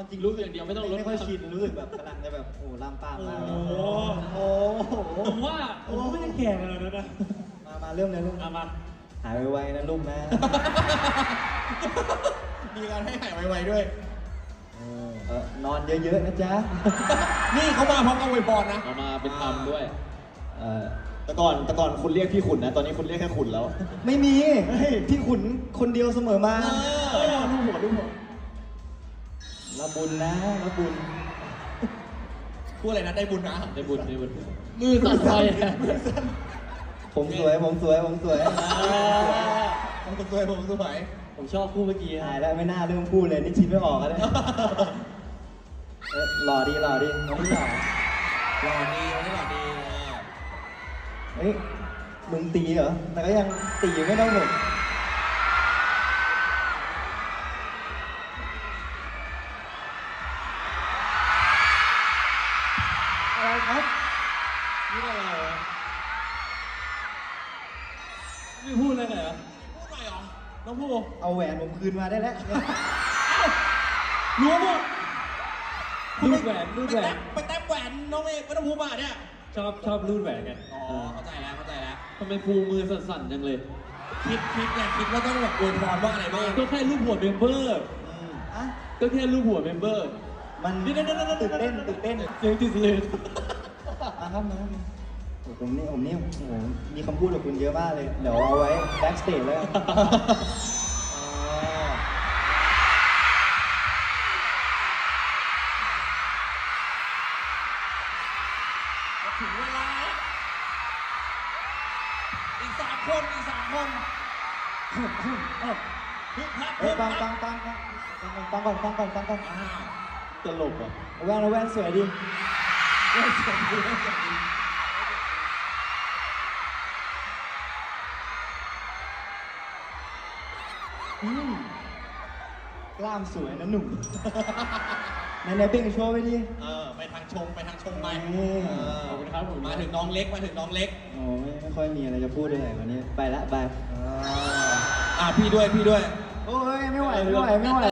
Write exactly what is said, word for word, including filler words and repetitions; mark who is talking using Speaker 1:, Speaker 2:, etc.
Speaker 1: เอาจริง
Speaker 2: รู้สึกอย่างเดียวไม่ต้องลด
Speaker 1: ไม่ค่อยชินรู้สึกแบบกำลังจะแบบโอ้ลามปามมาก
Speaker 3: โอ้โห
Speaker 1: โอ้โห
Speaker 3: ผมว่าผมไม่ได้แก่ขนาดนั้นนะ
Speaker 1: มามาเริ่มเลยลูก
Speaker 3: เอามา
Speaker 1: หายไวๆนะลูกนะ
Speaker 4: มีการให้หายไวๆด้วย
Speaker 1: เออนอนเยอะๆนะจ๊ะ
Speaker 4: นี่เขามาพร้อมกับอวยพรนะ
Speaker 2: เอามาเป็นธรรมด้วย
Speaker 1: เออแต่ก่อนแต่ก่อนคุณเรียกพี่ขุนนะ ตอนนี้คุณเรียกแค่ขุนแล้ว ไม่มีพี่ขุนคนเดียวเสมอมา
Speaker 4: เออ
Speaker 1: ลูกหัวลูกหัวรับบุญนะรับบุญ
Speaker 4: พูดอะไรนะได้บุญนะ
Speaker 2: ได้บุญได้บุญมือสั่นไปอะ
Speaker 1: ผมสวยผมสวยผมสวย
Speaker 4: ผมสวยผมสวย
Speaker 3: ผมชอบคู่เมื่อกี้
Speaker 1: หายแล้วไม่น่าเริ่มพูดเลยนี่ชินไม่ออกแล้วเนี่ยเออหล่อดีหล่อดีน้องพี่หล่อ
Speaker 4: หล่อดีวันนี้หล่อดี
Speaker 1: เฮ้ยมึงตีเหรอแต่ก็ยังตีไม่ได้หมดอะไรครับ
Speaker 3: นี่อะไรวะไม่พูดเลยเหรอ
Speaker 4: พูดหน่อยเหรอ
Speaker 3: น้องพูด
Speaker 1: เอาแหวนผมคืนมาได้แล้ว
Speaker 3: รู้หมดรูดแหวนรูด
Speaker 4: ไป
Speaker 3: แหว
Speaker 4: แต้
Speaker 3: น
Speaker 4: มไปแต้มแหวนน้องเอกวัฒนภูมิมาเนี่ย
Speaker 3: ชอบชอบรูดแหวนกัน
Speaker 4: อ๋อเข้าใจแล้วเข้าใจแล้ว
Speaker 2: ทำไมภูมือสั่นๆจังเลย
Speaker 4: คิดคิดไงคิดว่าต้องแบบอวยพรว่าอะไรบ้าง
Speaker 2: ก็แค่รูปหัวเมมเบอร์
Speaker 1: อืมอ่ะ
Speaker 2: ก็แค่รูปหัวเมมเบอร์
Speaker 1: มัน
Speaker 2: เดี๋ยวๆๆๆๆ
Speaker 1: ตื่นเต้นตื่นเต้น
Speaker 2: เสียงติดเลย
Speaker 1: มาครับมาครับโอ้ผมนี่ผมนี่โอ้โหมีคำพูดกับคุณเยอะมากเลย เดี๋ยวเอาไว้แบ็กสเตจแล้วกัน
Speaker 4: อ๋อถึงเวลาแล้วอีกสามคนอีกสามคนฮึบฮับ
Speaker 1: เฮ้ยฟังฟังฟังฟังฟังก่อนฟังก่อนฟังก่อน
Speaker 4: อ่า
Speaker 1: ตลกอ่ะเอาแว่นเอาแว่นสวยดิแว่นสวยดิแว่นสวยดิอืมกล้ามสวยนะหนุ่มไหนไหนเบ่งโชว์ไปดิ
Speaker 4: เออไปทางชงไปทางชงไป
Speaker 1: นี่
Speaker 4: เออ
Speaker 2: ขอบคุณครับผม
Speaker 4: มาถึงน้องเล็กมาถึงน้องเล็ก
Speaker 1: โอ้ไม่ไม่ค่อยมีอะไรจะพูดเลยวันนี้ไปละบาย
Speaker 4: อ่าพี่ด้วยพี่ด้วย
Speaker 1: โอ้ยไม่ไหวไม่ไหวไม่ไหว